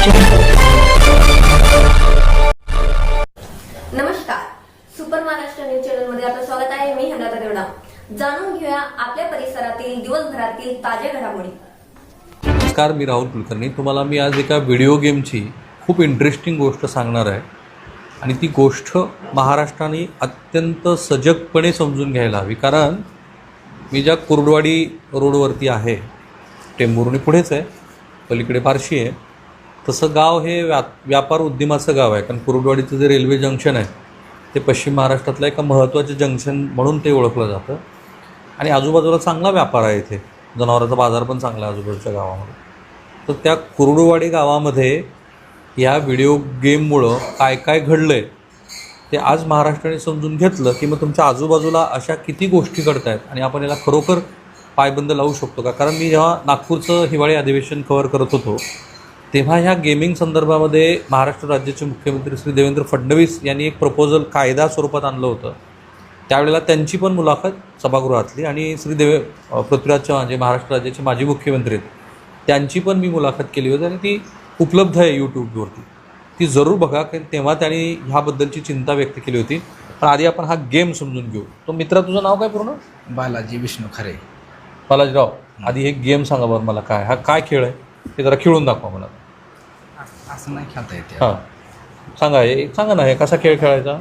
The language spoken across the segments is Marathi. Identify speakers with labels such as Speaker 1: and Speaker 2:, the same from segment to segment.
Speaker 1: नमस्कार, सुपर महाराष्ट्र न्यूज चॅनल मध्ये आपलं स्वागत आहे. मी हंगाता देवडा. जाणून घेऊया आपल्या परिसरातील दिवसभरातील ताज्या घडामोडी.
Speaker 2: नमस्कार, मी राहुल कुलकर्णी. तुम्हाला मी आज एका व्हिडिओ गेमची खूप इंटरेस्टिंग गोष्ट सांगणार आहे आणि ती गोष्ट महाराष्ट्राने अत्यंत सजगपणे समजून घ्यायला हवी. कारण मी ज्या कुर्डवाडी रोडवरती आहे, टेंभुर्णी पुढेच आहे, पलीकडे बार्शी आहे, तसं गाव हे व्यापार उद्यमाचं गाव आहे. कारण कुर्डवाडीचं जे रेल्वे जंक्शन आहे ते पश्चिम महाराष्ट्रातलं एका महत्त्वाचं जंक्शन म्हणून ते ओळखलं जातं आणि आजूबाजूला चांगला व्यापार आहे. इथे जनावरांचा बाजार पण चांगला आहे आजूबाजूच्या गावामध्ये. तर त्या कुर्डवाडी गावामध्ये या व्हिडिओ गेममुळं काय काय घडलं आहे ते आज महाराष्ट्राने समजून घेतलं की मग तुमच्या आजूबाजूला अशा किती गोष्टी घडत आहेत आणि आपण याला खरोखर पायबंद लावू शकतो का. कारण मी जेव्हा नागपूरचं हिवाळी अधिवेशन कव्हर करत होतो तेव्हा ह्या गेमिंग संदर्भामध्ये महाराष्ट्र राज्याचे मुख्यमंत्री श्री देवेंद्र फडणवीस यांनी एक प्रपोजल कायदा स्वरूपात आणलं होतं. त्यावेळेला त्यांची पण मुलाखत सभागृहातली आणि पृथ्वीराज चव्हाण जे महाराष्ट्र राज्याचे माजी मुख्यमंत्री आहेत त्यांची पण मी मुलाखत केली होती आणि ती उपलब्ध आहे यूट्यूबवरती. ती जरूर बघा, कारण तेव्हा त्यांनी ह्याबद्दलची चिंता व्यक्त केली होती. पण आधी आपण हा गेम समजून घेऊ. तो मित्रा, तुझं नाव काय पूर्ण?
Speaker 3: बालाजी विष्णू खरे.
Speaker 2: बालाजीराव, आधी हे गेम सांगा बरं मला, काय हा काय खेळ आहे ते जरा खेळून दाखवा मला.
Speaker 3: असं नाही खेळता येते.
Speaker 2: हां, सांगा ना, हे कसा खेळ खेळायचा.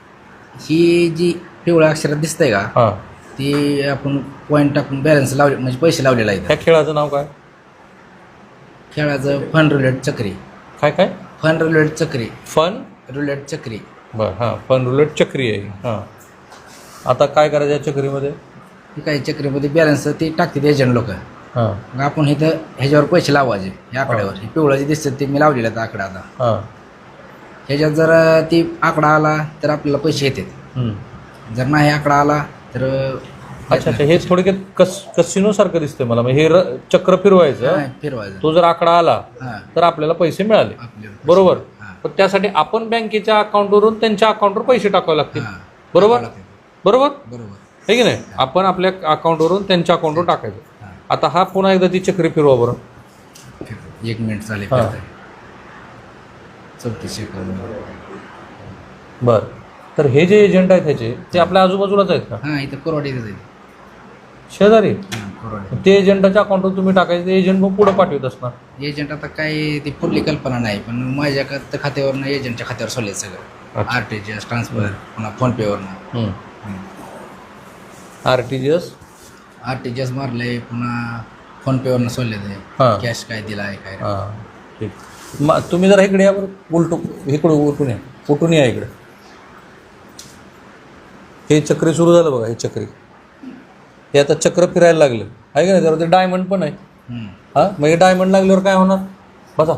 Speaker 3: ही जी पिवळ्या अक्षरात दिसतंय का,
Speaker 2: हां,
Speaker 3: ती आपण पॉईंट टाकून बॅलन्स लावले, म्हणजे पैसे लावलेला आहे.
Speaker 2: ह्या खेळाचं नाव काय?
Speaker 3: खेळाचं फन रुलेट चक्री.
Speaker 2: काय?
Speaker 3: फन रुलेट चक्री.
Speaker 2: फन
Speaker 3: रुलेट चक्री.
Speaker 2: बरं, हां, फन रुलेट चक्री आहे. हां, आता काय करायचं या चक्रीमध्ये?
Speaker 3: ही काही चक्रीमध्ये बॅलन्स ती टाकतात एजंट लोक.
Speaker 2: हां,
Speaker 3: मग आपण इथं ह्याच्यावर पैसे लावायचे. या आकड्यावर हे पिवळं जे दिसतं ते मी लावलेलं आहे आकडा. आता
Speaker 2: हां,
Speaker 3: ह्याच्यात जर ती आकडा आला तर आपल्याला पैसे येतात. जर नाही आकडा आला तर
Speaker 2: अच्छा, हे थोडक्यात कसिनोसारखं दिसतंय मला. हे चक्र फिरवायचं,
Speaker 3: फिरवायचं.
Speaker 2: तो जर आकडा आला तर आपल्याला पैसे मिळाले, बरोबर. पण त्यासाठी आपण बँकेच्या अकाउंटवरून त्यांच्या अकाउंटवर पैसे टाकावे लागतील, बरोबर
Speaker 3: बरोबर
Speaker 2: हे की नाही. आपण आपल्या अकाउंटवरून त्यांच्या अकाउंटवर टाकायचं. आता हा पुन्हा एकदा ती चक्री फिरवा बरं.
Speaker 3: 1 मिनिट चालेल. 34 सेकंद.
Speaker 2: बरं, तर हे जे एजंट आहेत ह्याचे ते आपल्या आजूबाजूलाच आहेत का?
Speaker 3: हां, इथं कोरवाडीचं आहे.
Speaker 2: शेजारी.
Speaker 3: कोरवाडी.
Speaker 2: ते एजंटाच्या अकाउंटवर तुम्ही टाकायचं, ते एजंट मग पुढं पाठवत असणार.
Speaker 3: एजंट आता काय ती पुढली कल्पना नाही, पण माझ्या खात्यावरनं एजंटच्या खात्यावर सोडले सगळं. RTGS ट्रान्सफर, पुन्हा फोनपेवरनं RTGS मारले, पुन्हा फोनपेवरनं सोडले ते.
Speaker 2: हां,
Speaker 3: कॅश काय दिला आहे काय.
Speaker 2: हां, ठीक. मग तुम्ही जरा इकडे या बरं, उलटून या इकडे. हे चक्री सुरू झालं बघा. हे चक्री हे आता चक्र फिरायला लागलं आहे का नाही. जरा ते डायमंड पण आहे. हां, मग हे डायमंड लागल्यावर काय होणार बसा.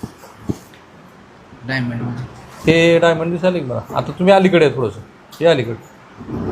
Speaker 3: डायमंड
Speaker 2: हे डायमंड दिसायला मला. आता तुम्ही अलीकडे आहे थोडंसं, हे अलीकडे.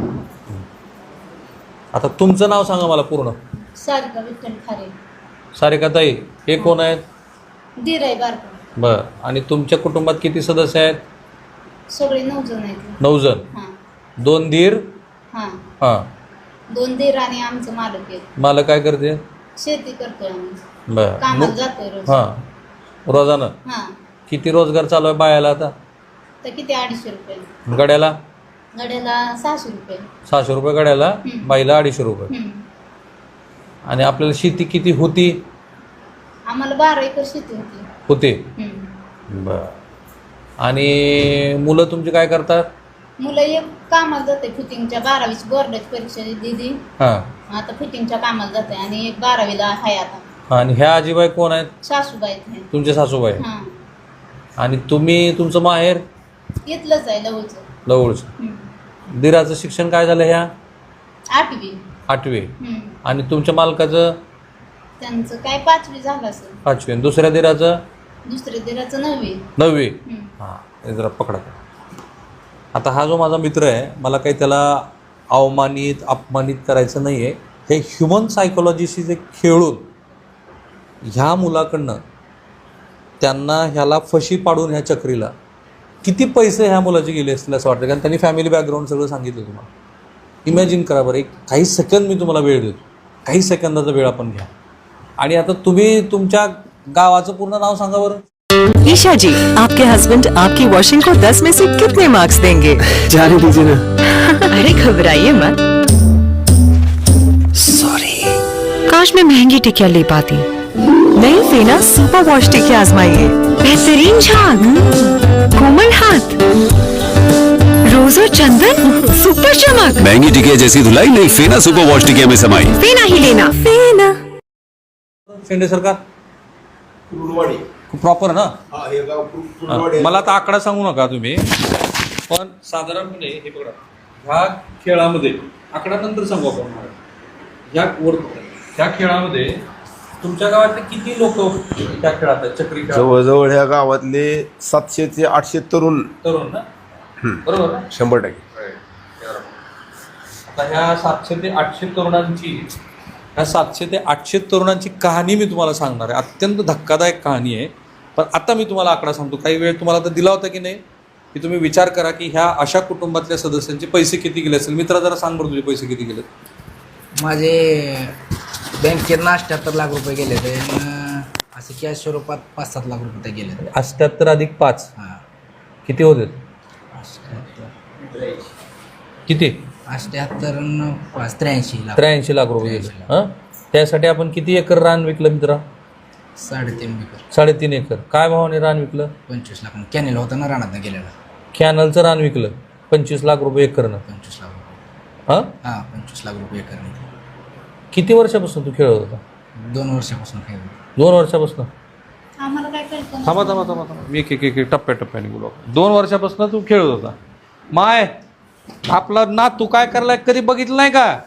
Speaker 2: आता तुमचं नाव सांगा मला पूर्ण.
Speaker 4: सारिका विठ्ठल खारे.
Speaker 2: सारिका ताई, हे कोण आहेत?
Speaker 4: दीर आहे बारका.
Speaker 2: बरं, आणि तुमच्या कुटुंबात किती सदस्य आहेत?
Speaker 4: सगळे 9 जण आहेत.
Speaker 2: 9 जण.
Speaker 4: हां
Speaker 2: 2 दीर.
Speaker 4: हां,
Speaker 2: हां,
Speaker 4: 2 दीर आणि आमचं मालक आहे.
Speaker 2: मला काय करते?
Speaker 4: शेती करतोय आम्ही.
Speaker 2: बरं.
Speaker 4: कामाला जातोय रोज.
Speaker 2: हां, रोजानं.
Speaker 4: हां,
Speaker 2: किती रोजगार चालू आहे बायाला आता?
Speaker 4: तर किती 250 रुपये
Speaker 2: गड्याला?
Speaker 4: गड्याला 600 रुपये.
Speaker 2: 600 रुपये गड्याला, बाईला 250 रुपये. आणि आपल्याला शेती किती होती?
Speaker 4: आम्हाला 12 एकर शेती
Speaker 2: होते.
Speaker 4: होती.
Speaker 2: बरं. आणि मुलं तुमची काय करतात?
Speaker 4: मुलं एक कामाला जाते फिटिंगच्या, 12वीची बोर्डाची परीक्षा दिली.
Speaker 2: हां,
Speaker 4: आता फिटिंगच्या कामाला जाते आणि एक 12वीला आहे आता.
Speaker 2: आणि ह्या आजीबाई कोण आहेत?
Speaker 4: सासूबाई आहेत.
Speaker 2: तुमचे सासूबाई.
Speaker 4: हां,
Speaker 2: आणि तुमचं माहेर?
Speaker 4: इथलंच आहे लवचं.
Speaker 2: जवळचं. दिराचं शिक्षण काय झालं? ह्या
Speaker 4: 8वी.
Speaker 2: 8वी. आणि तुमच्या मालकाचं?
Speaker 4: त्यांचं काय 5वी झालं असेल.
Speaker 2: 5वी. आणि दुसऱ्या दिराचं?
Speaker 4: दुसऱ्या दिराचं 9वी.
Speaker 2: 9वी. हां, हे जरा पकडा. आता हा जो माझा मित्र आहे, मला काही त्याला अपमानित करायचं नाही आहे. हे ह्युमन सायकोलॉजीशी जे खेळून ह्या मुलाकडनं त्यांना ह्याला फशी पाडून ह्या चक्रीला किती पैसे ह्या मुलाचे गेले असतील असं वाटतं. कारण त्यांनी फॅमिली बॅकग्राऊंड सगळं सांगितलं तुम्हाला. इमॅजिन करा बरं, एक काही सेकंद मी तुम्हाला वेळ देतो, काही सेकंदाचा वेळ आपण घ्या. आणि आता तुम्ही तुमच्या गावाचं पूर्ण नाव सांगा बरं.
Speaker 5: ईशा जी, आपके हस्बैंड आपकी वॉशिंग को 10 में से कितने मार्क्स देंगे?
Speaker 6: जाने दीजिए ना।
Speaker 5: अरे घबराइए मत।
Speaker 6: सॉरी।
Speaker 5: काश मैं महंगी टिकिया ले पाती। नई फेना सुपर वॉश टिकिया आजमाइए। बेहतरीन झाग, कोमल हाथ, रोज और चंदन, सुपर चमक।
Speaker 7: महंगी टिकिया जैसी धुलाई नहीं, फेना सुपर वॉश टिकिया में समाई।
Speaker 5: फेना ही लेना, फेना।
Speaker 2: शेंडे सरकार प्रॉपर ना. मला आता आकडा सांगू नका तुम्ही, पण साधारणपणे हे बघा, ह्या खेळामध्ये आकडा नंतर सांगू आपण. ह्या खेळामध्ये तुमच्या गावातले किती लोक त्या खेळात आहेत? चक्री खेळ
Speaker 8: जवळजवळ ह्या गावातले 700 ते 800 तरुण
Speaker 2: ना, बरोबर ना?
Speaker 8: 100%.
Speaker 2: आता ह्या 700 ते 800 तरुणांची ह्या 700 ते 800 तरुणांची कहाणी मी तुम्हाला सांगणार आहे. अत्यंत धक्कादायक कहाणी आहे. पण आता मी तुम्हाला आकडा सांगतो. काही वेळ तुम्हाला तर दिला होता की नाही, की तुम्ही विचार करा की ह्या अशा कुटुंबातल्या सदस्यांचे पैसे किती गेले असेल. मित्रा जरा सांग बरं, तुझे पैसे किती गेले?
Speaker 3: माझे बँकेत 78 लाख रुपये गेले ते, असे कॅश स्वरूपात 5-7 लाख रुपये गेले.
Speaker 2: 78 अधिक 5
Speaker 3: हां,
Speaker 2: किती होते?
Speaker 3: 78
Speaker 2: किती?
Speaker 3: 78 न 83 लाख.
Speaker 2: 83 लाख रुपये गेले. हां, त्यासाठी आपण किती एकर रान विकलं मित्रा?
Speaker 3: 3.5 एकर.
Speaker 2: 3.5 एकर. काय भावाने रान विकलं?
Speaker 3: 25 लाख. कॅनेल होता ना रानात गेलेला.
Speaker 2: कॅनलचं रान विकलं 25 लाख रुपये एकरनं.
Speaker 3: 25 लाख रुपये.
Speaker 2: हां,
Speaker 3: 25 लाख रुपये एकर.
Speaker 2: किती वर्षापासून तू खेळत होता?
Speaker 3: 2 वर्षापासून खेळ.
Speaker 2: 2 वर्षापासून.
Speaker 4: आम्हाला काय कळतं
Speaker 2: थांबा थांबा थांबा थांबा, मी एक टप्प्याटप्प्याने बोलू. 2 वर्षापासून तू खेळत होता. माय, आपला ना तू काय करलाय कधी बघितलं नाही का?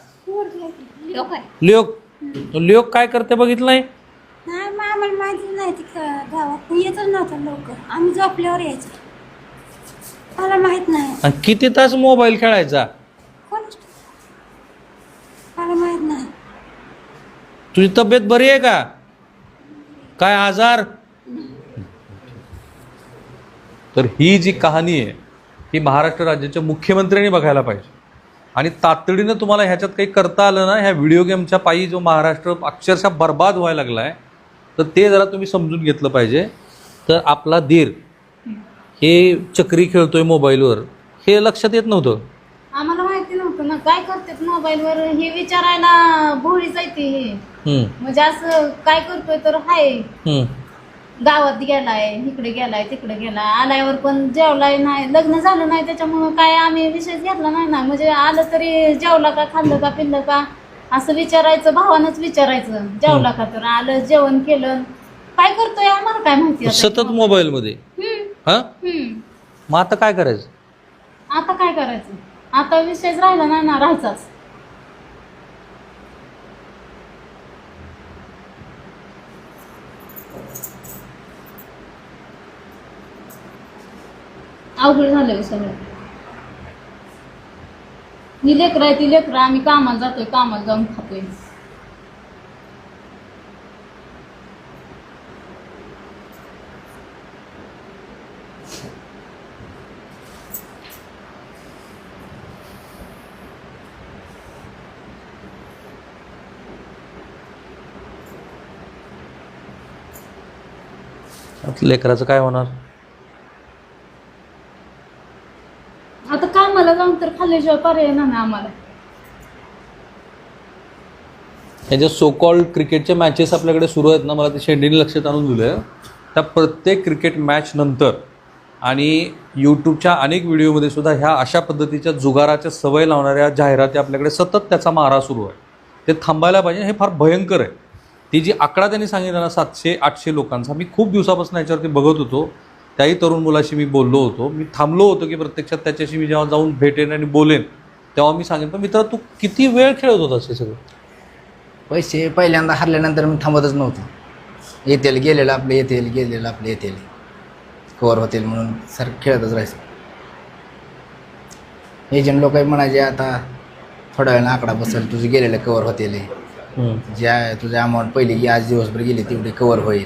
Speaker 2: लोक काय करते बघितलं नाही?
Speaker 9: नाही मग आम्हाला माहिती नाही ती गावात येतच नव्हतं लवकर. आम्ही झोपल्यावर यायचो. मला माहित नाही.
Speaker 2: आणि किती तास मोबाईल खेळायचा?
Speaker 9: कोण मला माहित नाही.
Speaker 2: तुझी तब्येत बरी आहे का? काय आजार? तर ही जी कहाणी आहे ही महाराष्ट्र राज्याच्या मुख्यमंत्र्यांनी बघायला पाहिजे. आणि तातडीनं तुम्हाला ह्याच्यात काही करता आलं ना, ह्या व्हिडिओ गेमच्या पायी जो महाराष्ट्र अक्षरशः बर्बाद व्हायला लागला आहे, तर ते जरा तुम्ही समजून घेतलं पाहिजे. तर आपला दीर हे चक्री खेळतोय मोबाईलवर हे लक्षात येत नव्हतं.
Speaker 4: आम्हाला माहिती नव्हतं ना काय करतात मोबाईलवर हे विचारायला भोळी जायते हे. म्हणजे असं काय करतोय तर हाय गावात गेलाय, इकडे गेलाय, तिकडे गेलाय, आल्यावर पण जेवलाय नाही, लग्न झालं नाही त्याच्यामुळं काय आम्ही विषयच घेतला नाही ना. म्हणजे आलं तरी जेवला का, खाल्लं का, पिल्लं का असं विचारायचं, भावानंच विचारायचं. जेवला का, तर आलं, जेवण केलं, काय करतोय आम्हाला काय माहिती.
Speaker 2: सतत मोबाईल मध्ये. हा, मग आता काय करायचं?
Speaker 4: आता काय करायचं? आता विषयच राहिला नाही ना, राहायचाच. अवघड झालं सगळं. ही लेकरं आहे ती लेकरं, आम्ही कामाला जातोय, कामाला जाऊन खातोय.
Speaker 2: लेकराचं काय होणार?
Speaker 4: आता कामाला जाऊन तर खाल्ल्याशिवाय पर्याय नाही आम्हाला.
Speaker 2: हे जे सो कॉल्ड क्रिकेटच्या मॅचेस आपल्याकडे सुरू आहेत ना, मला ते शेंडीने लक्षात आणून दिलं. त्या प्रत्येक क्रिकेट मॅच नंतर आणि यूट्यूबच्या अनेक व्हिडिओमध्ये सुद्धा ह्या अशा पद्धतीच्या जुगाराच्या सवय लावणाऱ्या जाहिराती आपल्याकडे सतत त्याचा मारा सुरू आहे. ते थांबायला पाहिजे. हे फार भयंकर आहे. ती जी आकडा त्यांनी सांगितला ना 700-800 लोकांचा, मी खूप दिवसापासून याच्यावरती बघत होतो. त्याही तरुण मुलाशी मी बोललो होतो. मी थांबलो होतो की प्रत्यक्षात त्याच्याशी मी जेव्हा जाऊन भेटेन आणि बोलेन तेव्हा मी सांगेन. पण मित्रा, तू किती वेळ खेळत होतास हे सगळं?
Speaker 3: पैसे पहिल्यांदा हरल्यानंतर मी थांबतच नव्हतो. येतील गेलेलं आपले, येतील गेलेलं आपले, येतील कवर होतील म्हणून सर खेळतच राहायचं. एजंट लोक म्हणायचे आता थोड्या वेळानं आकडा बसेल, तुझे गेलेलं कवर होतील, ज्या तुझ्या अमाऊंट पहिली आज दिवसभर गेली तेवढी कवर होईल.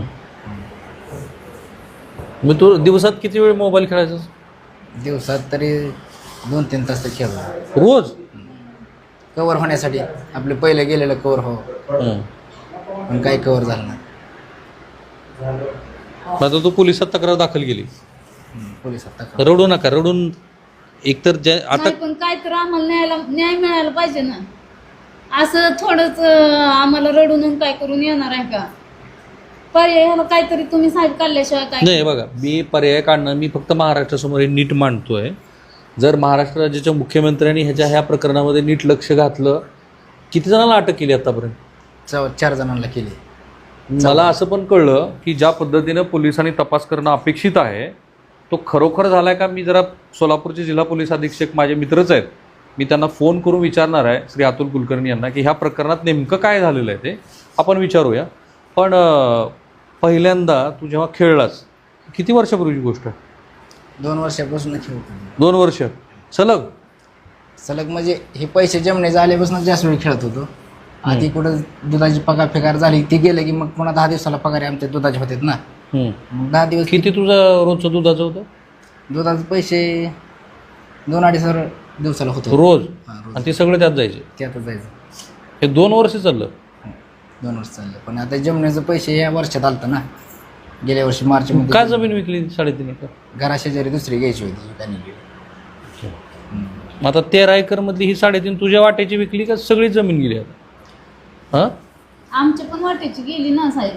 Speaker 2: मग तू दिवसात किती वेळ मोबाईल खेळायचा?
Speaker 3: दिवसात तरी 2-3 तास तर खेळ
Speaker 2: रोज.
Speaker 3: कवर होण्यासाठी आपले पहिले गेलेलं कवर हो, पण काही कवर झालं नाही.
Speaker 2: आता तू पोलिसात तक्रार दाखल केली.
Speaker 3: पोलिसात तक्रार.
Speaker 2: रडू नका, रडून एकतर आता
Speaker 4: नाही पण काय तर आम्हाला न्याय मिळायला पाहिजे ना. असं थोडंच आम्हाला रडून काय करून येणार आहे का? पर्याय ह्याला काहीतरी तुम्ही साहेब काढल्याशिवाय काय.
Speaker 2: नाही बघा, मी पर्याय काढणं, मी फक्त महाराष्ट्रासमोर हे नीट मांडतोय. जर महाराष्ट्र राज्याच्या मुख्यमंत्र्यांनी ह्या प्रकरणामध्ये नीट लक्ष घातलं, किती जणांना अटक केली आतापर्यंत?
Speaker 3: 4 जणांना केली.
Speaker 2: मला असं पण कळलं की ज्या पद्धतीनं पोलिसांनी तपास करणं अपेक्षित आहे तो खरोखर झाला आहे का? मी जरा सोलापूरचे जिल्हा पोलीस अधीक्षक माझे मित्रच आहेत, मी त्यांना फोन करून विचारणार आहे श्री अतुल कुलकर्णी यांना की ह्या प्रकरणात नेमकं काय झालेलं आहे ते आपण विचारूया. पण पहिल्यांदा तू जेव्हा खेळलास, किती वर्षापूर्वीची गोष्ट आहे?
Speaker 3: 2 वर्षापासून खेळतो.
Speaker 2: 2 वर्ष
Speaker 3: सलग म्हणजे हे पैसे जमणे आल्यापासून जास्त वेळ खेळत होतो. आधी कुठं दुधाची पगार झाली ती गेलं की मग पुन्हा 10 दिवसाला पगार आमच्या दुधाचे होते ना. मग 10 दिवस
Speaker 2: किती तुझं रोजचं दुधाचं होतं?
Speaker 3: दुधाचे पैसे 2-2.5 हजार दिवसाला होतो
Speaker 2: रोज.
Speaker 3: रोज.
Speaker 2: आणि ते सगळं त्यात जायचे.
Speaker 3: त्यातच जायचं.
Speaker 2: हे 2 वर्ष चाललं.
Speaker 3: 2 वर्ष चाललं. पण आता जमण्याचं पैसे या वर्षात आलतं ना. गेल्या वर्षी मार्च
Speaker 2: का
Speaker 3: मध्ये
Speaker 2: जमीन विकली 3.5 एकर?
Speaker 3: घराशेजारी दुसरी घ्यायची होती त्यांनी.
Speaker 2: मग आता 13 एकर मधली ही 3.5 तुझ्या वाट्याची विकली का सगळी जमीन गेली आता? हां,
Speaker 4: आमच्या पण वाटेची गेली ना साहेब.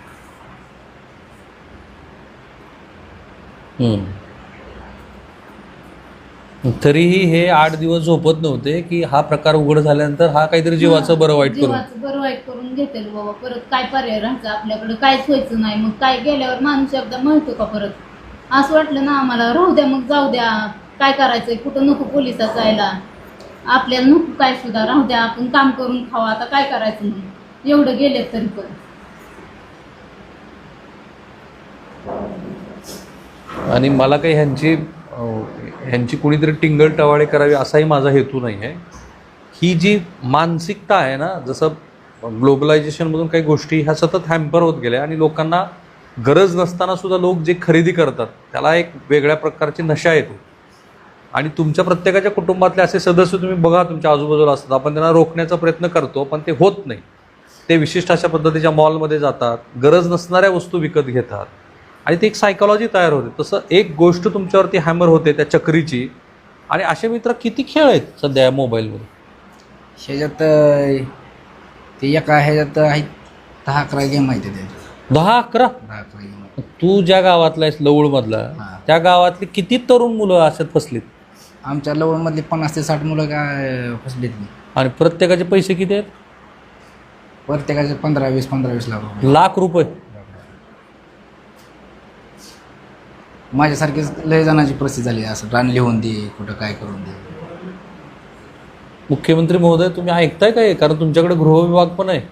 Speaker 2: तरीही हे 8 दिवस झोपत नव्हते की हा प्रकार उघड झाल्यानंतर हा काहीतरी जीवाचं बरं वाईट करून.
Speaker 4: जीवाचं बरं वाईट करून घेतेल बाबा. परत काय पर्याय राहायचं आपल्याकडे? काहीच व्हायचं नाही. मग काय गेल्यावर माणूस एकदा म्हणतो का परत? असं वाटलं ना आम्हाला, राहू द्या मग, जाऊ द्या, काय करायचंय, कुठं नको पोलिसात जायला, आपल्याला नको काय सुद्धा, राहू द्या, आपण काम करून खावा, आता काय करायचं म्हणून एवढं गेले तरी पण.
Speaker 2: आणि मला काही ह्यांची कुणीतरी टिंगल टवाळे करावी असाही माझा हेतू नाही आहे. ही जी मानसिकता आहे ना, जसं ग्लोबलायझेशनमधून काही गोष्टी ह्या सतत हॅम्पर होत गेल्या आणि लोकांना गरज नसताना सुद्धा लोक जे खरेदी करतात त्याला एक वेगळ्या प्रकारची नशा येते. आणि तुमच्या प्रत्येकाच्या कुटुंबातले असे सदस्य तुम्ही बघा तुमच्या आजूबाजूला असतात, आपण त्यांना रोखण्याचा प्रयत्न करतो पण ते होत नाही. ते विशिष्ट अशा पद्धतीच्या मॉलमध्ये जातात, गरज नसणाऱ्या वस्तू विकत घेतात आणि ती एक सायकॉलॉजी तयार होते. तसं एक गोष्ट तुमच्यावरती हॅमर होते त्या चक्रीची. आणि असे मित्र किती खेळ आहेत सध्या या मोबाईलमध्ये.
Speaker 3: ह्याच्यात ते एका ह्याच्यात आहेत 10-11 गेम आहेत त्याच्यात.
Speaker 2: 10-11?
Speaker 3: 10-11 गेम.
Speaker 2: तू ज्या गावातला आहेस लवळमधला,
Speaker 3: हां.
Speaker 2: त्या गावातली किती तरुण मुलं अशात फसलीत?
Speaker 3: आमच्या लवणमधली 50 ते 60 मुलं काय फसलीत नाही.
Speaker 2: आणि प्रत्येकाचे पैसे किती आहेत?
Speaker 3: प्रत्येकाचे 15-20 लाख रुपये.
Speaker 2: लाख रुपये.
Speaker 3: माझ्यासारखीच लय जणांची परिस्थिती झाली. असं रान लिहून दे, कुठं काय करून दे.
Speaker 2: मुख्यमंत्री महोदय, तुम्ही ऐकताय काय? कारण तुमच्याकडे गृहविभाग पण आहे.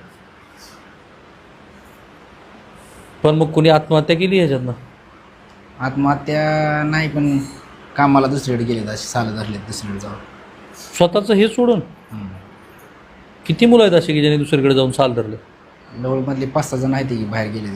Speaker 2: पण मग कुणी आत्महत्या केली ह्याच्यातनं?
Speaker 3: आत्महत्या नाही, पण कामाला दुसरीकडे गेले, असे साल धरले दुसरीकडे जाऊन.
Speaker 2: स्वतःचं हे सोडून किती मुलं आहेत अशी की ज्यांनी दुसरीकडे जाऊन साल धरले?
Speaker 3: लवळमधले 5-6 जण आहेत की बाहेर गेले.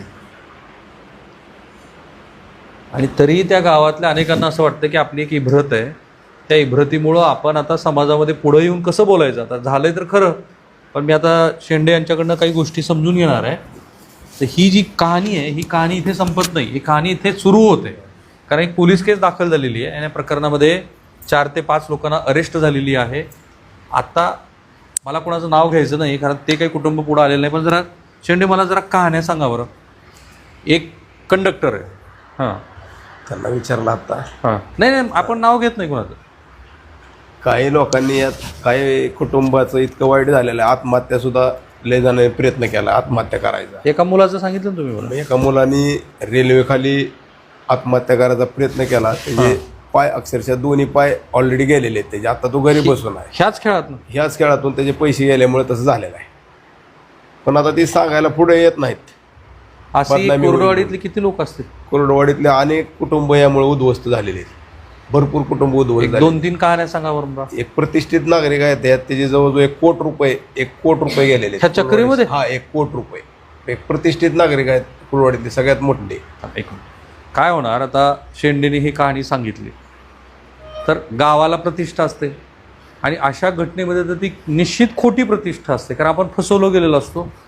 Speaker 2: आणि तरीही त्या गावातल्या अनेकांना असं वाटतं की आपली एक इब्रत आहे, त्या इब्रतीमुळं आपण आता समाजामध्ये पुढं येऊन कसं बोलायचं. आता झालंय तर खरं, पण मी आता शेंडे यांच्याकडनं काही गोष्टी समजून घेणार आहे. तर ही जी कहाणी आहे, ही कहाणी इथे संपत नाही, ही कहाणी इथे सुरू होते. कारण एक पोलीस केस दाखल झालेली आहे आणि या प्रकरणामध्ये 4 ते 5 लोकांना अरेस्ट झालेली आहे. आता मला कोणाचं नाव घ्यायचं नाही कारण ते काही कुटुंब पुढं आलेलं नाही. पण जरा शेंडे मला जरा कहाण्या सांगा बरं. एक कंडक्टर आहे, हां,
Speaker 8: त्यांना विचारलं आता.
Speaker 2: हां, नाही आपण नाव घेत नाही कोणाचं.
Speaker 8: काही लोकांनी यात काही कुटुंबाचं इतकं वाईट झालेलं आहे, आत्महत्या सुद्धा लय जणांनी प्रयत्न केला आत्महत्या करायचा.
Speaker 2: एका मुलाचं सांगितलं ना तुम्ही मला.
Speaker 8: एका मुलांनी रेल्वेखाली आत्महत्या करायचा प्रयत्न केला. त्याचे पाय अक्षरशः दोन्ही पाय ऑलरेडी गेलेले आहेत त्याचे. आता तो घरी बसून आहे. ह्याच खेळातून त्याचे पैसे गेल्यामुळे तसं झालेलं आहे. पण आता ती सांगायला पुढे येत नाहीत.
Speaker 2: अशी कोरडवाडीतले किती लोक असतील?
Speaker 8: कोरडवाडीतले अनेक कुटुंब यामुळे उद्ध्वस्त झालेले आहेत. भरपूर कुटुंब उद्ध्वस्त झाले.
Speaker 2: 2-3 कहाण्या सांगा बरं.
Speaker 8: एक प्रतिष्ठित नागरिक आहेत, त्याचे जवळजवळ 1 कोट रुपये गेलेले
Speaker 2: ह्या चक्रीमध्ये.
Speaker 8: हा, 1 कोट रुपये. एक प्रतिष्ठित नागरिक आहेत कुरवाडीतले, सगळ्यात मोठे.
Speaker 2: काय होणार आता? शेंडेने ही कहाणी सांगितली तर गावाला प्रतिष्ठा असते आणि अशा घटनेमध्ये तर ती निश्चित खोटी प्रतिष्ठा असते कारण आपण फसवलो गेलेलो असतो.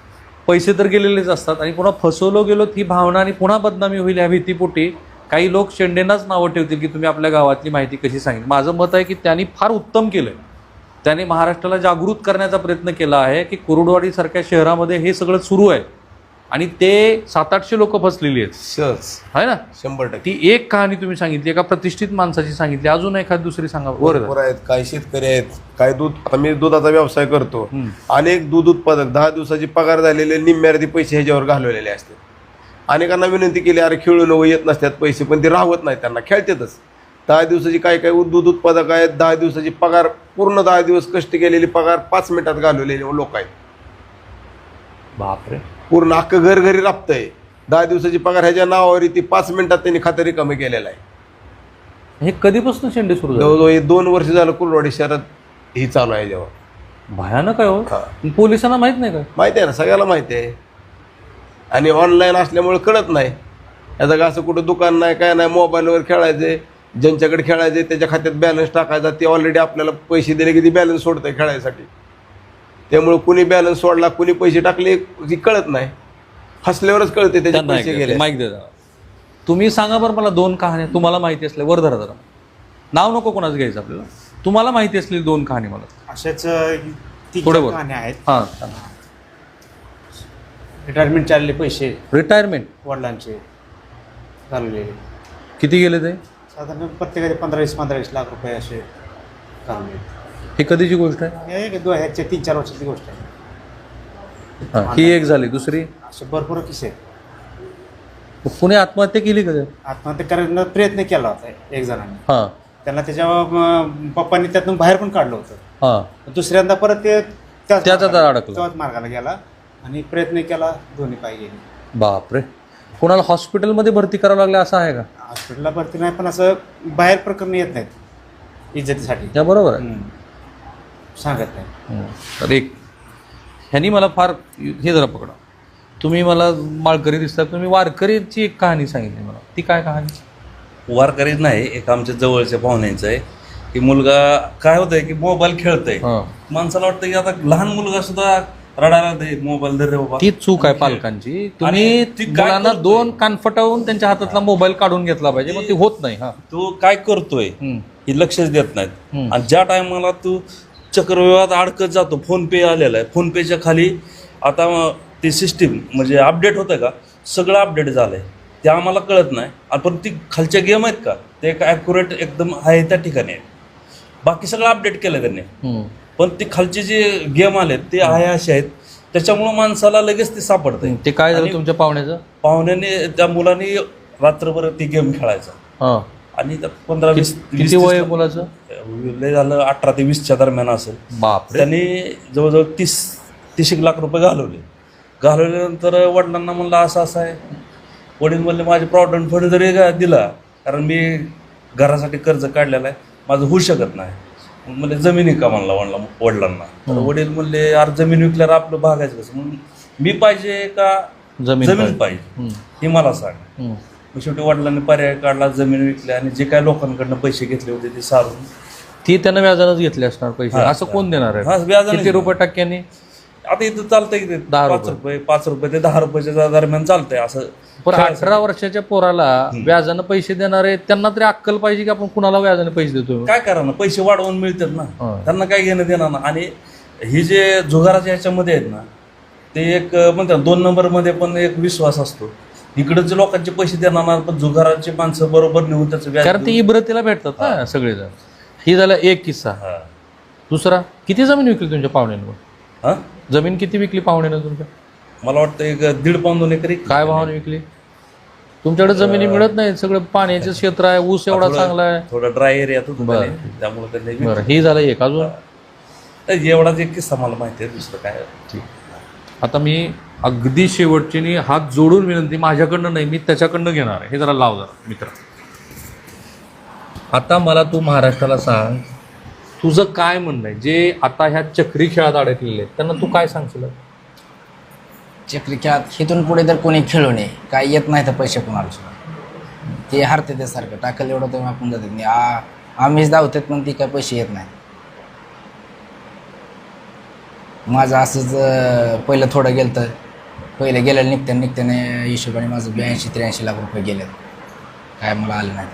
Speaker 2: पैसे तर गेलेलेच असतात आणि पुन्हा फसवलो गेलो ही भावना आणि पुन्हा बदनामी होईल ह्या भीतीपोटी काही लोक शेंडेंनाच नावं ठेवतील की तुम्ही आपल्या गावातली माहिती कशी सांगितली. माझं मत आहे की त्यांनी फार उत्तम केलं आहे. त्याने महाराष्ट्राला जागृत करण्याचा प्रयत्न केला आहे की कुरुडवाडीसारख्या शहरामध्ये हे सगळं सुरू आहे आणि ते 700-800 लोक फसलेली आहेत.
Speaker 8: सहज
Speaker 2: आहे ना.
Speaker 8: 100%.
Speaker 2: ती एक कहाणी तुम्ही सांगितली, एका प्रतिष्ठित माणसाची सांगितली, अजून एखादी दुसरी सांगा.
Speaker 8: भरपूर आहेत. काही शेतकरी आहेत, काही दूध, आता मी दुधाचा व्यवसाय करतो. अनेक दूध उत्पादक 10 दिवसाची पगार झालेले निम्म्यार्धी पैसे ह्याच्यावर घालवलेले असतात. अनेकांना विनंती केली, अरे खेळून येत नसतात पैसे, पण ते राहत नाही, त्यांना खेळतातच. 10 दिवसाची काही दूध उत्पादक आहेत, 10 दिवसाची पगार, पूर्ण 10 दिवस कष्ट केलेली पगार 5 मिनिटात घालवलेले लोक आहेत.
Speaker 2: बापरे.
Speaker 8: पूर्ण अख्खं घर घरी राबतंय. 10 दिवसाची पगार ह्याच्या नावावर ती 5 मिनिटात त्यांनी खातं रिकामी केलेलं आहे.
Speaker 2: हे कधीपासून शेंडे सुरू झाले?
Speaker 8: जवळजवळ हे 2 वर्ष झालं कुरुडवाडी शहरात ही चालू आहे. जेव्हा
Speaker 2: भयानक आहे हो.
Speaker 8: हा.
Speaker 2: पोलिसांना माहित नाही का?
Speaker 8: माहिती आहे ना, सगळ्याला माहिती आहे. आणि ऑनलाईन असल्यामुळे कळत नाही. याचं असं कुठं दुकान नाही, काय नाही, मोबाईलवर खेळायचे, ज्यांच्याकडे खेळायचे त्याच्या खात्यात बॅलन्स टाकायचा, ते ऑलरेडी आपल्याला पैसे दिले की ती बॅलन्स सोडतंय खेळायसाठी. त्यामुळे कुणी बॅलन्स सोडला, कुणी पैसे टाकले ती कळत नाही. हसल्यावरच कळते त्याचे पैसे गेले.
Speaker 2: माईक दे जरा. तुम्ही सांगा बरं मला 2 कहाण्या तुम्हाला माहिती असल्या. वर धरा जरा, नाव नको कोणाचं घ्यायचं आपल्याला. तुम्हाला माहिती असलेली 2 कहाणी मला.
Speaker 6: अशाच
Speaker 2: थोडं बोल.
Speaker 6: कहाण्या आहेत.
Speaker 2: हां.
Speaker 6: रिटायरमेंट चालले पैसे
Speaker 2: रिटायरमेंट
Speaker 6: वडिलांचे घालवलेले,
Speaker 2: किती गेले ते?
Speaker 6: साधारण प्रत्येकाचे 15-20 लाख रुपये असे घालवले.
Speaker 2: ही कधीची गोष्ट आहे?
Speaker 6: हे 3-4 वर्षाची गोष्ट आहे.
Speaker 2: हां, ही एक झाली. दुसरी?
Speaker 6: असे भरपूर किस्से आहेत.
Speaker 2: कुणी आत्महत्या केली का?
Speaker 6: आत्महत्या करण्याचा प्रयत्न केला होता एक जणांनी.
Speaker 2: हां.
Speaker 6: त्यांना त्याच्या पप्पांनी त्यातून बाहेर पण काढलं होतं.
Speaker 2: हां.
Speaker 6: दुसऱ्यांदा परत ते
Speaker 2: त्याचा अडकला.
Speaker 6: त्याच मार्गाला गेला आणि प्रयत्न केला, दोन्ही पाय गेले.
Speaker 2: बापरे. कोणाला हॉस्पिटलमध्ये भरती करावं लागलं असं आहे का?
Speaker 6: हॉस्पिटलला भरती नाही, पण असं बाहेर प्रकरण येत नाहीत इज्जतीसाठी.
Speaker 2: त्या बरोबर आहे.
Speaker 6: सांगत नाही.
Speaker 2: तर एक ह्यांनी मला फार हे जरा पकडा. तुम्ही मला माळकरी दिसतात, तुम्ही वारकरीची एक कहाणी सांगितली मला. ती काय कहाणी?
Speaker 10: वारकरीच नाही, एक आमच्या जवळच्या पाहुण्यांचं आहे की मुलगा काय होतंय की मोबाईल खेळतोय. माणसाला वाटतं की आता लहान मुलगा सुद्धा रडायला दे, मोबाईल दे रे बाबा.
Speaker 2: ती चूक आहे पालकांची. तुम्ही मुलांना 2 कानफटावून त्यांच्या हातातला मोबाईल काढून घेतला पाहिजे, मग ती होत नाही. हा,
Speaker 10: तू काय करतोय हे लक्षच देत नाहीत. आणि ज्या टायमाला तू चक्रव्यूहात अडकत जातो, फोन पे आलेला आहे, फोन पेच्या खाली आता ती सिस्टीम म्हणजे अपडेट होतं का, सगळं अपडेट झालंय, ते आम्हाला कळत नाही. पण ती खालच्या गेम आहेत का, ते एक ॲक्युरेट एकदम आहे त्या ठिकाणी आहे. बाकी सगळं अपडेट केलं त्यांनी, पण ते खालचे जे गेम आलेत ते आहे असे आहेत, त्याच्यामुळं माणसाला लगेच ते सापडतंय.
Speaker 2: ते काय झालं तुमच्या पाहुण्याचं?
Speaker 10: पाहुण्याने त्या मुलांनी रात्रभर ती गेम खेळायचा आणि 15-20
Speaker 2: किती वय आहे मुलाचं?
Speaker 10: लय झालं 18 ते 20च्या दरम्यान असेल.
Speaker 2: बापरे.
Speaker 10: त्यांनी जवळजवळ 30 लाख रुपये घालवल्यानंतर वडिलांना म्हणलं असं असं आहे. वडील म्हणले माझे प्रॉव्हिडंट फंड जरी दिला, कारण मी घरासाठी कर्ज काढलेलं आहे, माझं होऊ शकत नाही. म्हणजे जमीन विका म्हणला वडिलांना. तर वडील म्हणले अरे जमीन विकल्यावर आपलं भागायचं कसं, म्हणून मी पाहिजे का जमीन पाहिजे हे मला सांग. मग शेवटी वडिलांनी पर्याय काढला, जमीन विकली आणि जे काय लोकांकडनं पैसे घेतले होते ते सारून
Speaker 2: ती त्यांना व्याजानंच घेतले असणार पैसे. असं कोण देणार आहे?
Speaker 10: व्याजाने.
Speaker 2: किती रुपये टक्क्याने?
Speaker 10: आता इथं चालतंय की 5 रुपये ते 10 रुपयाच्या दरम्यान चालतंय असं.
Speaker 2: पण 18 वर्षाच्या पोराला व्याजानं पैसे देणारे त्यांना तरी अक्कल पाहिजे की आपण कुणाला व्याजाने पैसे देतो.
Speaker 10: काय करा ना, पैसे वाढवून मिळतात ना, त्यांना काय घेणं देणार ना. आणि ही जे जुगाराच्या ह्याच्यामध्ये आहेत ना, ते एक म्हणतात 2 नंबरमध्ये पण एक विश्वास असतो. इकडचे लोकांचे पैसे देणार, पण जुगाराचे माणसं बरोबर नेऊन त्याचं व्याज,
Speaker 2: कारण ते इब्रतीला भेटतात ना सगळेजण. ही झाला एक किस्सा. दुसरा, किती जमीन विकली तुमच्या पाहुण्यानं? जमीन किती विकली पाहुण्यानं तुमच्या?
Speaker 10: मला वाटतं 1.5 पाऊण 2 एकरी.
Speaker 2: काय भावाने विकली? तुमच्याकडे जमिनी मिळत नाही, सगळं पाण्याचं क्षेत्र आहे, ऊस एवढा चांगला आहे,
Speaker 10: थोडा ड्राय एरिया त्यामुळे
Speaker 2: बरं. ही झालं एक. अजून
Speaker 10: एवढाच एक किस्सा मला माहिती आहे, दुसरं काय.
Speaker 2: ठीक. आता मी अगदी शेवटची हात जोडून विनंती, माझ्याकडनं नाही, मी त्याच्याकडनं घेणार आहे. हे जरा लाव जरा मित्र. आता मला तू महाराष्ट्राला सांग, तुझं काय म्हणणं आहे जे आता ह्या चक्री खेळात अडकलेले आहेत त्यांना तू काय सांगशील?
Speaker 3: चक्री खेळात इथून पुढे तर कोणी खेळू नये, काय येत नाही तर पैसे कोणाला सुद्धा ते हारते ते सारखं टाकलं एवढं तर आपण जातात नाही. आम्हीच धावतात पण ती काय पैसे येत नाही. माझं असंच पहिलं थोडं गेलं तर पहिले गेलेलं निघत्याने हिशोबाने माझं 82-83 लाख रुपये गेले. काय मला आले नाही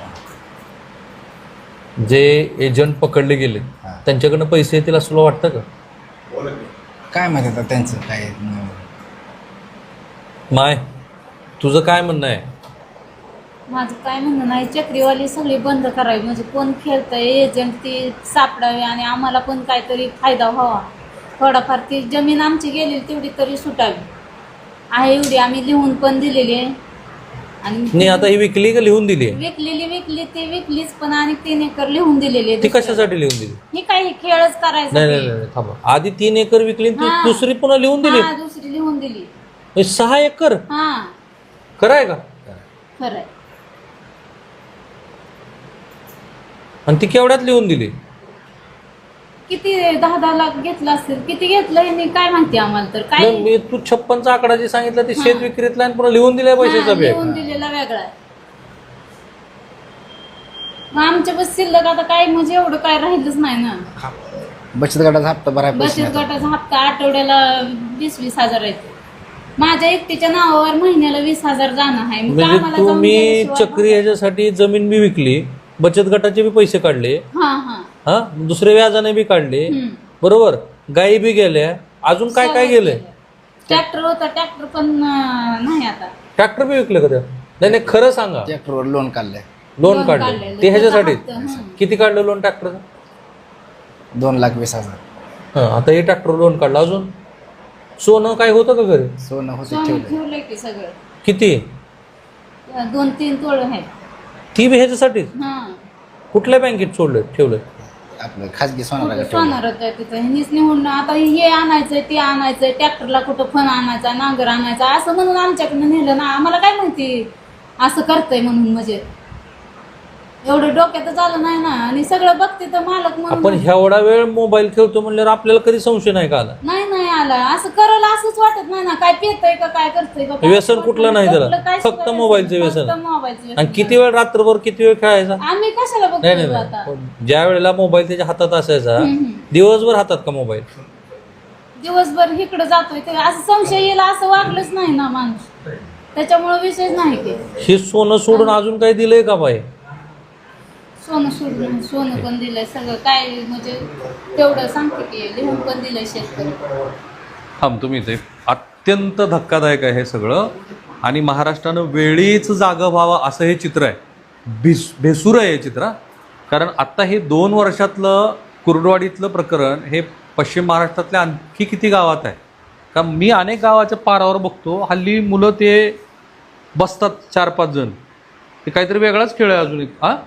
Speaker 2: जे एजंट पकडले गेले त्यांच्याकडनं पैसे येतील असं तुला वाटतं का?
Speaker 3: काय माहिती आता त्यांचं काय.
Speaker 2: माय तुझं काय म्हणणं आहे?
Speaker 4: माझं काय म्हणणं नाही, चक्रीवाली सगळी बंद करावी, म्हणजे कोण खेळतंय एजंट ती सापडावी आणि आम्हाला पण काहीतरी फायदा व्हावा. थोडाफार ती जमीन आमची गेली तेवढी तरी सुटावी आहे, एवढी आम्ही लिहून पण दिलेली आहे. आणि
Speaker 2: नाही आता ही विकली का लिहून दिली आहे?
Speaker 4: विकली ती विकलीच, पण आणि 3 एकर लिहून दिलेली आहे.
Speaker 2: ती कशासाठी लिहून दिली?
Speaker 4: ही काही खेळच करायचा.
Speaker 2: नाही थांबा, आधी 3 एकर विकली आणि
Speaker 4: हा.
Speaker 2: दुसरी पुन्हा लिहून दिली.
Speaker 4: दुसरी लिहून दिली.
Speaker 2: 6 एकर
Speaker 4: हा
Speaker 2: खरं आहे का?
Speaker 4: खरंय.
Speaker 2: आणि ती केवढ्यात लिहून दिली?
Speaker 4: किती 10-10 लाख घेतला असेल, किती घेतलं हे नाही काय माहिती आम्हाला तर. काय
Speaker 2: नाही, मी तू 56चा आकडा जे सांगितला ते शेत विक्रीतला आणि पुन्हा लिहून दिलाय पैशाचा
Speaker 4: लिहून
Speaker 2: बॅग.
Speaker 4: दिलेला वेगळा आहे. मग आमच्या बस शिल्लक आता काय म्हणजे एवढं काय राहिलंच नाही ना.
Speaker 3: बचत गटाचा हप्ता भरायला पैसे
Speaker 4: बचत
Speaker 3: नाही.
Speaker 4: गटाचा हप्ता आठवड्याला 20-20 हजार येतो. माझ्या एकटीच्या नावावर महिन्याला 20,000 जाणं आहे. मग
Speaker 2: म्हणजे
Speaker 4: आम्हाला जाऊन
Speaker 2: तुम्ही
Speaker 4: गेल्याशिवाय-
Speaker 2: चक्री ह्याच्यासाठी जमीन बी विकली, बचत गटाचे बी पैसे काढले,
Speaker 4: हा हा
Speaker 2: हा दुसरे व्याजाने बी काढले, बरोबर, गायी बी गेल्या, अजून काय काय गेलंय?
Speaker 4: ट्रॅक्टर होता, ट्रॅक्टर पण नाही आता.
Speaker 2: ट्रॅक्टर बी विकले का त्या? नाही नाही खरं सांगा.
Speaker 3: ट्रॅक्टरवर लोन काढलंय.
Speaker 2: लोन
Speaker 4: लोन
Speaker 2: काढले
Speaker 4: काढलेलं.
Speaker 2: ते ह्याच्यासाठी?
Speaker 4: त्याचा हप्ता,
Speaker 2: किती काढलं लोन ट्रॅक्टरचं?
Speaker 3: 2,20,000.
Speaker 2: आता हे ट्रॅक्टर लोन काढलं. अजून सोनं काय होतं का घरी?
Speaker 3: सोनं होतं
Speaker 4: सोनं
Speaker 3: ठेवलं.
Speaker 4: ठेवलंय की सगळं.
Speaker 2: किती?
Speaker 4: 2-3 तोळ आहे.
Speaker 2: ती बी ह्याच्यासाठीच?
Speaker 4: हा
Speaker 2: कुठल्या बँकेत सोडलं ठेवलं?
Speaker 3: आपलं खाजगी सोनाला
Speaker 4: सोनार होतं तिथं. ह्यांनीच निवडणं आता हे आणायचंय ते आणायचंय, ट्रॅक्टरला कुठं फण आणायचा, नांगर आणायचा असं म्हणून आमच्याकडनं नेलं ना. आम्हाला काय माहिती असं करतंय म्हणून, म्हणजे एवढं डोक्यातच आलं नाही ना. आणि सगळं बघते तर मालक
Speaker 2: आपण
Speaker 4: म्हणून
Speaker 2: एवढा वेळ मोबाईल खेळतो म्हणल्यावर आपल्याला कधी संशय नाही का आला?
Speaker 4: नाही आला. असं करल असंच वाटत नाही ना. काय पेतय का काय करतोय का काय
Speaker 2: व्यसन कुठलं नाही त्याला,
Speaker 4: कुठलं काय
Speaker 2: फक्त
Speaker 4: सुद्धा
Speaker 2: मोबाईलचं
Speaker 4: फक्त
Speaker 2: व्यसन.
Speaker 4: मोबाईलचं व्यसन.
Speaker 2: आणि किती वेळ रात्रभर किती वेळ खेळायचा?
Speaker 4: आम्ही कशाला
Speaker 2: नाही नाही
Speaker 4: बघतो आता.
Speaker 2: नाही. ज्या वेळेला मोबाईल त्याच्या हातात असायचा दिवसभर हातात का मोबाईल?
Speaker 4: दिवसभर इकडं जातोय ते असं संशय येईल असं वागलंच नाही ना माणूस. त्याच्यामुळे विषयच नाही की
Speaker 2: हे सोनं सोडून अजून काही दिलंय का बाई?
Speaker 4: सोनं सोडून सोनं पण दिलंय सगळं काय, म्हणजे तेवढं सांगते की लिहून पण दिलंय शेतकरी.
Speaker 2: थांब तुम्ही इथे. अत्यंत धक्कादायक आहे हे सगळं आणि महाराष्ट्रानं वेळीच जागं व्हावं असं हे चित्र आहे. भेसूर आहे हे चित्र. कारण आत्ता हे 2 वर्षातलं कुर्डवाडीतलं प्रकरण हे पश्चिम महाराष्ट्रातल्या आणखी किती गावात आहे. कारण मी अनेक गावाच्या पारावर बघतो हल्ली मुलं ते बसतात 4-5 जण. ते काहीतरी वेगळाच खेळ आहे अजून एक. हां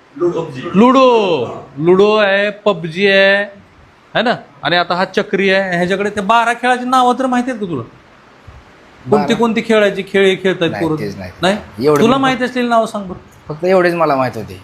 Speaker 2: लुडो आहे, पबजी आहे ना, आणि आता हा चक्री आहे. ह्याच्याकडे ते 12 खेळाची नावं तर माहिती आहेत का तुला? कोणती खेळायची खेळ हे खेळतात
Speaker 3: नाही,
Speaker 2: पोरं?
Speaker 3: तेच नाही.
Speaker 2: नाही
Speaker 3: एवढं
Speaker 2: तुला
Speaker 3: मी-
Speaker 2: माहिती असलेली नावं सांग बरं.
Speaker 3: फक्त एवढेच मला माहित होते.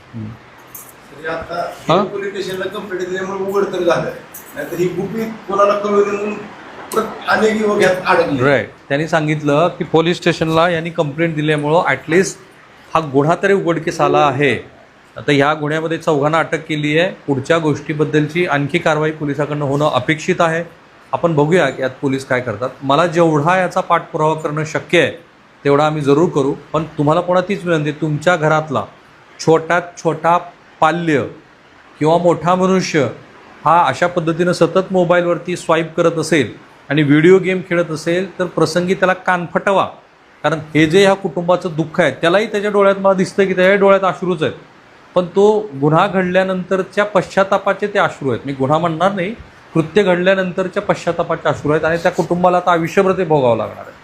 Speaker 2: हा?
Speaker 8: पोलीस स्टेशनला कंप्लेंट दिल्यामुळे उघड तर झालं, नाहीतर ही गुपित कोणाला कळू नये म्हणून अनेक युवक यात अडकले.
Speaker 2: राईट. त्यांनी सांगितलं की पोलीस स्टेशनला यांनी कंप्लेंट दिल्यामुळं ॲटलिस्ट हा गुन्हा तरी उघडकीस आला आहे. आता ह्या गुन्ह्यामध्ये 4घांना अटक केली आहे. पुढच्या गोष्टीबद्दलची आणखी कारवाई पोलिसाकडनं होणं अपेक्षित आहे. आपण बघूया की यात पोलीस काय करतात. मला जेवढा याचा पाठपुरावा करणं शक्य आहे तेवढा आम्ही जरूर करू. पण तुम्हाला कोणातीच विनंती, तुमच्या घरातला छोट्यात छोटा पाल्य किंवा मोठा मनुष्य हा अशा पद्धतीनं सतत मोबाईलवरती स्वाईप करत असेल आणि व्हिडिओ गेम खेळत असेल तर प्रसंगी त्याला कान फटवा. कारण हे जे ह्या कुटुंबाचं दुःख आहे त्यालाही त्याच्या डोळ्यात मला दिसतं की त्याच्या डोळ्यात अश्रूच आहेत. पण तो गुन्हा घडल्यानंतरच्या पश्चातापाचे ते अश्रू आहेत. मी गुन्हा म्हणणार नाही, कृत्य घडल्यानंतरच्या पश्चातापाचे अश्रू आहेत आणि त्या कुटुंबाला आता आयुष्यभर ते भोगावं लागणार आहे.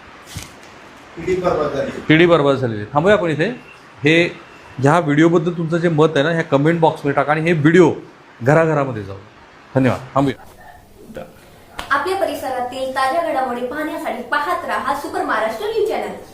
Speaker 2: पिढी बर्बाद झालेली. थांबूया आपण इथे. हे ह्या व्हिडिओबद्दल तुमचं जे मत आहे ना ह्या कमेंट बॉक्समध्ये टाका आणि हे व्हिडिओ घराघरामध्ये जाऊ. धन्यवाद. थांबूया.
Speaker 1: आपल्या परिसरातील ताज्या घडामोडी पाहण्यासाठी पाहत राहा सुपर महाराष्ट्र न्यूज चॅनल.